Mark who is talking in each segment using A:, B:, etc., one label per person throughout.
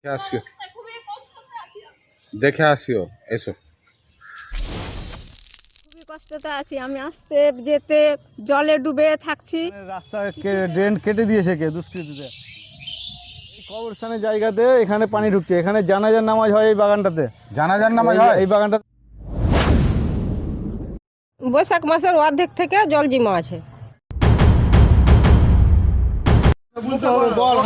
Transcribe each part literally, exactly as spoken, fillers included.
A: আসিও দেখে আসিও এসো।
B: খুবই কষ্টতে আছি আমি, আসতে যেতে জলে ডুবে থাকছি।
C: রাস্তা ড্রেন কেটে দিয়েছে কে দুষ্কৃতীতে। এই কবরস্থানের জায়গাতে এখানে পানি ঢুকছে, এখানে জানাজার নামাজ হয় এই বাগানটাতে।
A: জানাজার নামাজ হয়
C: এই বাগানটা
D: বৈশাখ মাসের অর্ধেক থেকে জল জমা আছে।
C: বলতে হবে বল।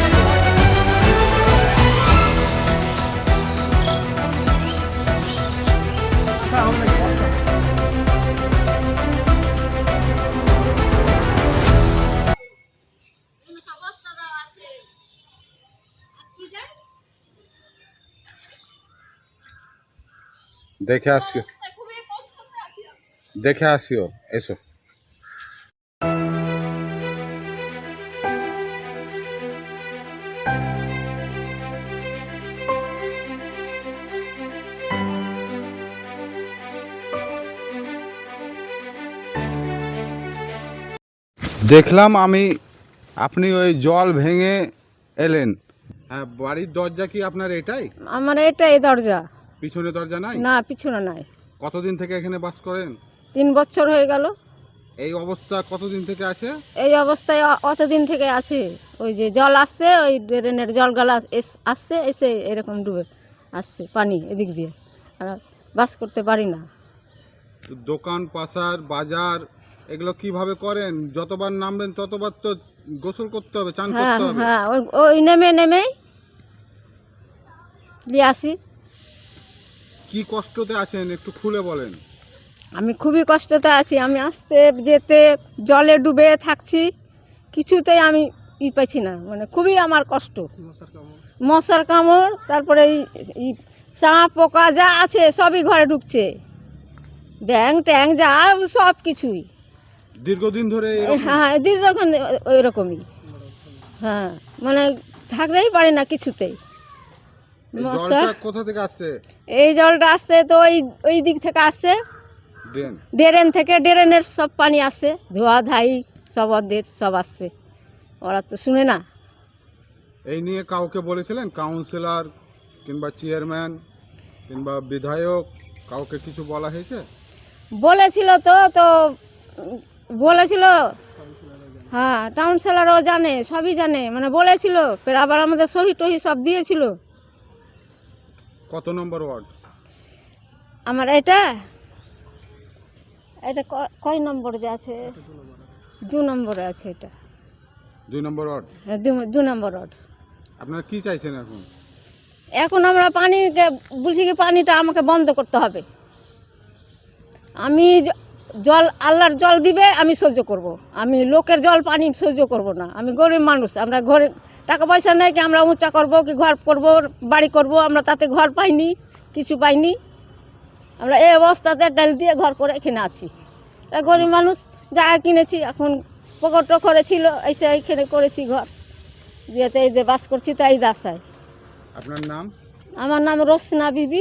A: দেখে আসিও দেখে আসিও এসো। দেখলাম আমি আপনি ওই জল ভেঙে এলেন। হ্যাঁ, বাড়ির দরজা কি আপনার এটাই?
B: আমার এটাই দরজা,
A: পিছনে দরজা নাই?
B: না পিছনে নাই।
A: কতদিন থেকে এখানে বাস করেন?
B: তিন বছর হয়ে গেল।
A: এই অবস্থা কতদিন থেকে আছে?
B: এই অবস্থায় অ- অতদিন থেকে আছে। ওই যে জল আসছে, ওই ড্রেনের জল গালা এস- আসছে, এসে এরকম ডুবে আসছে পানি এদিক দিয়ে, আর বাস করতে পারি না।
A: দোকান পাশার বাজার এগুলো কিভাবে করেন? যতবার নামবেন ততবার তো গোসল করতে হবে, চান
B: হ্যাঁ
A: করতে হবে।
B: হ্যাঁ, ওই ওই নেমে নেমেই নিয়ে আসি।
A: কি কষ্টতে আছেন একটু খুলে বলেন।
B: আমি খুবই কষ্টতে আছি আমি, আসতে যেতে জলে ডুবে থাকছি, কিছুতেই আমি ই পাইছি না, মানে খুবই আমার কষ্ট। মশার কামড়, তারপরে এই চাঁ পোকা যা আছে সবই ঘরে ঢুকছে, ব্যাং ট্যাং যা সব কিছুই।
A: দীর্ঘদিন ধরে এরকম?
B: হ্যাঁ দীর্ঘক্ষণ ওই রকমই। হ্যাঁ মানে থাকতেই পারি না কিছুতেই।
A: এই
B: মশা,
A: জলটা কোথা থেকে আসছে?
B: এই জলটা আসছে তো ওই ওই দিক থেকে আসছে,
A: ড্রেন?
B: ড্রেন থেকে, ড্রেনের সব পানি আসছে, ধোয়া ধাই সব ওদের সব আসছে, ওরা তো শুনে না।
A: এই নিয়ে কাউকে বলেছিলেন? কাউন্সিলর কিংবা চেয়ারম্যান কিংবা বিধায়ক কাউকে কিছু বলা হয়েছে?
B: বলেছিল তো তো উম, বলেছিল, হ্যাঁ কাউন্সিলরও জানে, সবই জানে, মানে বলেছিল, ফের আবার আমাদের সহি টহি সব দিয়েছিল।
A: কত নম্বর ওয়ার্ড?
B: আমার এটা এটা ক- কয় নম্বরে যে আছে? দু নম্বরে আছে এটা।
A: দুই নম্বর ওয়ার্ড।
B: হ্যাঁ, দু- দু নম্বর রোড।
A: আপনারা কি চাইছেন এখন?
B: এখন আমরা পানিকে বলছি কি পানিটা আমাকে বন্ধ করতে হবে। আমি জ- জল আল্লাহর জল দিবে আমি সহ্য করব, আমি লোকের জল পানি সহ্য করব না। আমি গরিব মানুষ, আমরা ঘরে টাকা পয়সা নেই কি আমরা উঁচা করব কি ঘর করব, বাড়ি করব, আমরা তাতে ঘর পাইনি, কিছু পাইনি। আমরা এই অবস্থাতে ডাল দিয়ে ঘর করে এখানে আছি। তা গরিব মানুষ যা কিনেছি, এখন পকট টকরে ছিল এসে এখানে করেছি ঘর, যেতে এই যে বাস করছি তাই দাসায়।
A: আপনার নাম?
B: আমার নাম রোশনা বিবি।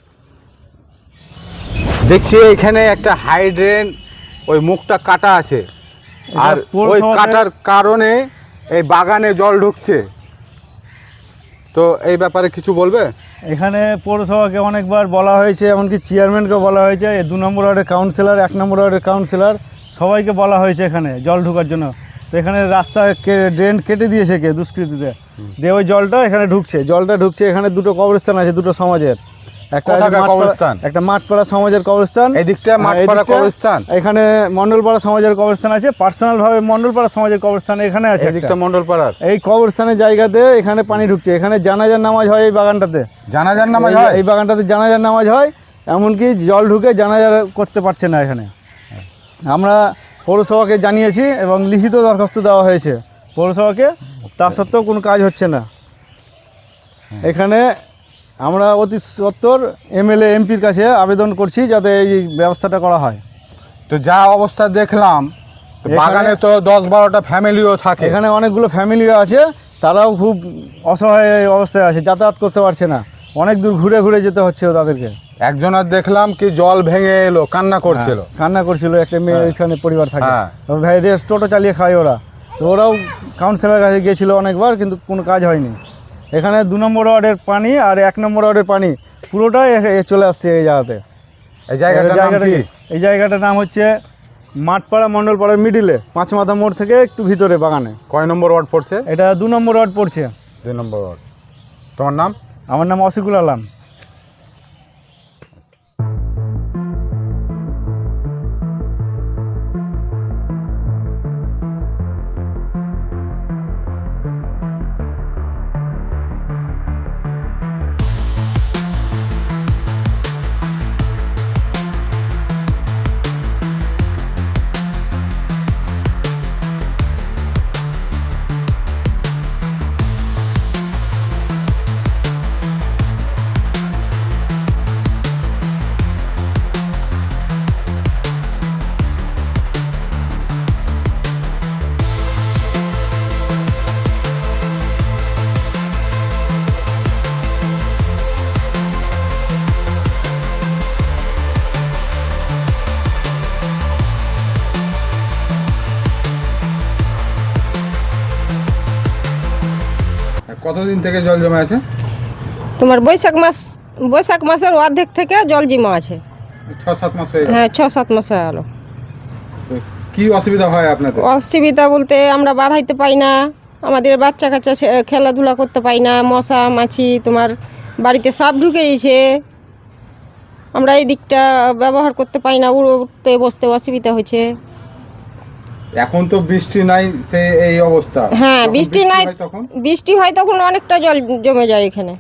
A: দেখছি এখানে একটা হাইড্রেন, ওই মুখটা কাটা আছে, আর ওই কাটার কারণে এই বাগানে জল ঢুকছে। তো এই ব্যাপারে কিছু বলবে?
C: এখানে পৌরসভাকে অনেকবার বলা হয়েছে, এমনকি চেয়ারম্যানকে বলা হয়েছে, এই দু নম্বর ওয়ার্ডের কাউন্সিলর, এক নম্বর ওয়ার্ডের কাউন্সিলর, সবাইকে বলা হয়েছে এখানে জল ঢোকার জন্য। তো এখানে রাস্তা ড্রেন কেটে দিয়েছে কে দুষ্কৃতীতে, দিয়ে ওই জলটা এখানে ঢুকছে, জলটা ঢুকছে। এখানে দুটো কবরস্থান আছে, দুটো সমাজের, একটা আছে
A: কোথাকার
C: মাঠপাড়া-
A: কবরস্থান?
C: একটা মাঠপাড়া সমাজের কবরস্থান,
A: এই দিকটা
C: আর
A: মাঠপাড়া
C: এদিকটা
A: কবরস্থান।
C: এখানে মণ্ডলপাড়া সমাজের কবরস্থান আছে, পার্সোনাল ভাবে মণ্ডলপাড়া সমাজের কবরস্থান এখানে আছে
A: এই দিকটা
C: একটা।
A: মণ্ডলপাড়ার।
C: এই কবরস্থানের জায়গাতে এখানে পানি ঢুকছে, এখানে জানাজার নামাজ হয় এই বাগানটাতে।
A: জানাজার নামাজ
C: এই-
A: হয়?
C: এই বাগানটাতে জানাজার নামাজ হয়, এমনকি জল ঢুকে জানাজার করতে পারছে না এখানে। আমরা পৌরসভাকে জানিয়েছি এবং লিখিত দরখাস্ত দেওয়া হয়েছে পৌরসভাকে, তা সত্ত্বেও কোনো কাজ হচ্ছে না। এখানে আমরা অতি সত্বর এমএলএ এমপির কাছে আবেদন করছি যাতে এই ব্যবস্থাটা করা হয়।
A: তো যা অবস্থা দেখলাম, তো
C: এখানে-
A: বাগানে তো দশ বারোটা ফ্যামিলিও থাকে।
C: এখানে অনেকগুলো ফ্যামিলিও আছে, তারাও খুব অসহায় অবস্থায় আছে, যাতায়াত করতে পারছে না, অনেক দূর ঘুরে ঘুরে যেতে হচ্ছে তাদেরকে।
A: একজন আর দেখলাম কি জল ভেঙে এলো, কান্না করছিল।
C: হ্যাঁ, কান্না করছিল, একটা মেয়ে
A: হ্যাঁ।
C: ওইখানে পরিবার থাকে,
A: হ্যাঁ।
C: ভাই রেস্ট টোটো চালিয়ে খায় ওরা। তো ওরাও কাউন্সিলরের কাছে গিয়েছিল অনেকবার, কিন্তু কোনো কাজ হয়নি। এখানে দু নম্বর ওয়ার্ডের পানি আর এক নম্বর ওয়ার্ডের পানি পুরোটাই এ- এ চলে আসছে এই জায়গাতে।
A: এই জায়গাটার নাম
C: জায়গাটা
A: কি?
C: কি? এই জায়গাটার নাম হচ্ছে মাঠপাড়া মণ্ডলপাড়ার মিডিলে, পাঁচ মাথা মোড় থেকে একটু ভিতরে বাগানে।
A: কয় নম্বর ওয়ার্ড পড়ছে?
C: এটা দু নম্বর ওয়ার্ড পড়ছে।
A: দুই নম্বর ওয়ার্ড। তোমার নাম?
C: আমার নাম অসিকুল আলম।
A: কতদিন থেকে জল জমে আছে?
D: তোমার বৈশাখ মাস বৈশাখ মাসের অর্ধেক থেকে জল জমা আছে।
A: ছ সাত মাস হয়ে গেল।
D: হ্যাঁ, ছ সাত মাস হয়ে গেল।
A: তো কি অসুবিধা হয় আপনাদের?
D: অসুবিধা বলতে আমরা বাড়াইতে পাই না, আমাদের বাচ্চা কাচ্চা সে- খেলাধুলা করতে পাই না, মশা মাছি, তোমার বাড়িতে সাপ ঢুকে গেছে, আমরা এই দিকটা ব্যবহার করতে পাই না, উঠতে বসতে অসুবিধা হয়েছে।
A: এখন তো বৃষ্টি নাই, সে এই অবস্থা।
D: হ্যাঁ,
A: যখন
D: বৃষ্টি নাই,
A: হয় তখন
D: বৃষ্টি হয় তখন অনেকটা জল জমে যায় এখানে।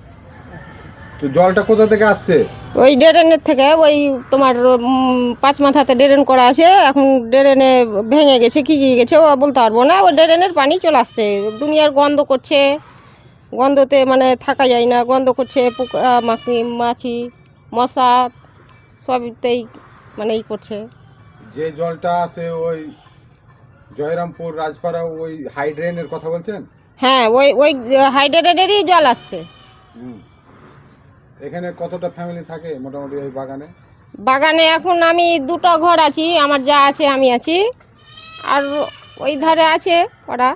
A: তো জলটা কোথা থেকে আসছে?
D: ওই ড্রেনের থেকে, ওই তোমার উম, পাঁচ মাথাতে ড্রেন করা আছে, এখন ড্রেনে ভেঙে গেছে কি কি গেছে ও বলতে পারবো না, ওই ড্রেনের পানি চলে আসছে, দুনিয়ার গন্ধ করছে, গন্ধতে মানে থাকা যায় না, গন্ধ করছে, পোকা মাছি মাছি মশা সবতেই মানে ই করছে।
A: যে জলটা আসে ওই জয়রামপুর রাজপাড়া ওই হাইড্রেনের কথা বলছেন?
D: হ্যাঁ, ওই ওই হাইড্রেটেডেরই জল আসছে।
A: হুম। এখানে কতটা ফ্যামিলি থাকে মোটামুটি এই বাগানে?
D: বাগানে এখন আমি দুটো ঘর আছি, আমার যা আছে আমি আছি, আর ওই ধারে আছে ওরা।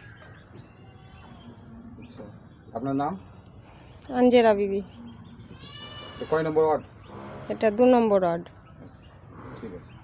A: আচ্ছা। আপনার নাম?
D: আঞ্জেরা বিবি।
A: তো কয় নম্বর ওয়ার্ড?
D: এটা দু নম্বর ওয়ার্ড।
A: ঠিক আছে।